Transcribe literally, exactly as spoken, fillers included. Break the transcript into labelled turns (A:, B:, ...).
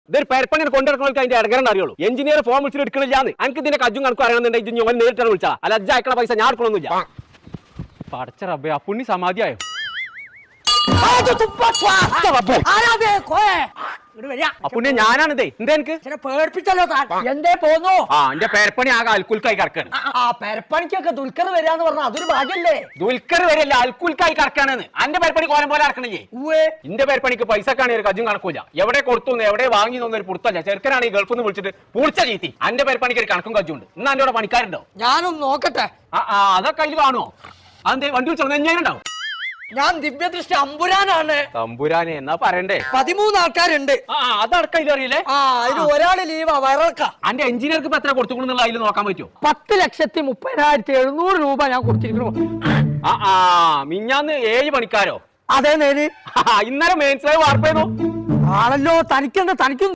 A: ഇതൊരു പേരപ്പണിനെ കൊണ്ടിറക്കണമെങ്കിൽ അതിന്റെ ഇടകരണ്ട് അറിയുള്ളൂ. എഞ്ചിനീയർ ഫോം വിളിച്ചിട്ട് എടുക്കണില്ലാന്ന്. എനിക്ക് ഇതിന്റെ കജ്ജും കണക്കും അറിയണമെന്നുണ്ടെങ്കിൽ ഞാൻ നേരിട്ടാണ് വിളിച്ചാ. അല്ല അജ്ജ അയക്കണ പൈസ ഞാൻ എടുക്കണമെന്നില്ല. പടച്ച റബ്ബേ, ആ പുണ്ണി സമാധിയായോ? അപ്പുണ്യ ഞാനാണിതേ. എന്താ എനിക്ക്
B: പേടിപ്പിച്ചല്ലോ എന്തേ പോന്നു?
A: ആ എന്റെ പേരപ്പണി ആകെ അൽക്കുൽക്കായി കറക്കാണ്.
B: ആ പേരപ്പണിക്കൊക്കെ ദുൽഖർ വരാന്ന് പറഞ്ഞാൽ അതൊരു ഭാഗ്യല്ലേ?
A: ദുൽഖർ വരെയല്ല, അൽക്കുൽക്കായി കറക്കാണെന്ന്. അന്റെ പേരപ്പണി കോലം പോലെ ഇറക്കണില്ലേ? എന്റെ പേരപ്പണിക്ക് പൈസക്കാണ് ഒരു കജ്ജും കണക്കൂല. എവിടെ കൊടുത്തു എവിടെ വാങ്ങി ഒരു പുറത്തല്ല. ചെറുക്കനാണ് ഈ ഗൾഫിൽ നിന്ന് വിളിച്ചിട്ട് പൂളിച്ച ചീത്തി. അന്റെ പേരപ്പണിക്ക് ഒരു കണക്കും കജ്ജുണ്ട്. ഇന്ന് എന്റെ അവിടെ പണിക്കാരുണ്ടോ?
B: ഞാനൊന്ന് നോക്കട്ടെ.
A: ആ ആ അതൊക്കെ അതിൽ കാണുമോ? അതെന്തേ വണ്ടി വിളിച്ചോ? ഞാനുണ്ടാവും.
B: ഞാൻ ദിവ്യദൃഷ്ടി അമ്പുരാനാണ്.
A: തമ്പുരാനെ എന്നാ പറയണ്ടേ?
B: പതിമൂന്ന് ആൾക്കാരുണ്ട്.
A: ആ അതടക്കം ഇതിലറിയില്ലേ?
B: ആ അതിന് ഒരാള് ലീവാ, വയറക്ക.
A: അന്റെ എഞ്ചിനീയർക്ക് ഇപ്പൊ എത്ര കൊടുത്തുകൊണ്ടെന്നുള്ള അതിൽ നോക്കാൻ പറ്റുമോ?
B: പത്ത് ലക്ഷത്തി മുപ്പതിനായിരത്തി എഴുന്നൂറ് രൂപ ഞാൻ കൊടുത്തിരിക്കുന്നു.
A: ആ ആ മിഞ്ഞാന്ന് ഏഴ് പണിക്കാരോ?
B: അതേ നേര്
A: ഇന്നലെ മെയിൻസായി വാർപ്പ് ചെയ്തു
B: ആണല്ലോ. തനിക്കെന്താ? തനിക്കും